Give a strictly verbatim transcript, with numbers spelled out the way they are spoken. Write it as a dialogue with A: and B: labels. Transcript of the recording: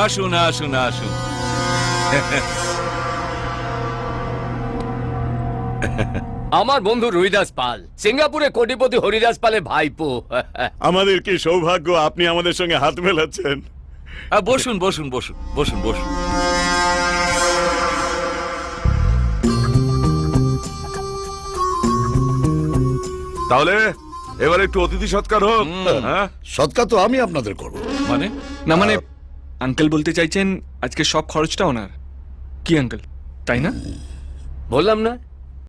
A: আসুন আসুন আসুন।
B: আমার বন্ধু রুইদাস পাল, সিঙ্গাপুরে কোটিপতি হরিদাস পালের ভাইপো।
C: আমাদের কি সৌভাগ্য আপনি আমাদের সঙ্গে হাত মেলাচ্ছেন।
A: আহ, বসুন বসুন বসুন বসুন বসুন।
D: তাহলে এবার একটু অতিথি সৎকার হোক। হ্যাঁ,
E: সৎকার তো আমি আপনাদের করব।
A: মানে
F: না মানে আঙ্কেল বলতে চাইছেন আজকে সব খরচটা ওনার, কি আঙ্কেল তাই না?
B: বললাম না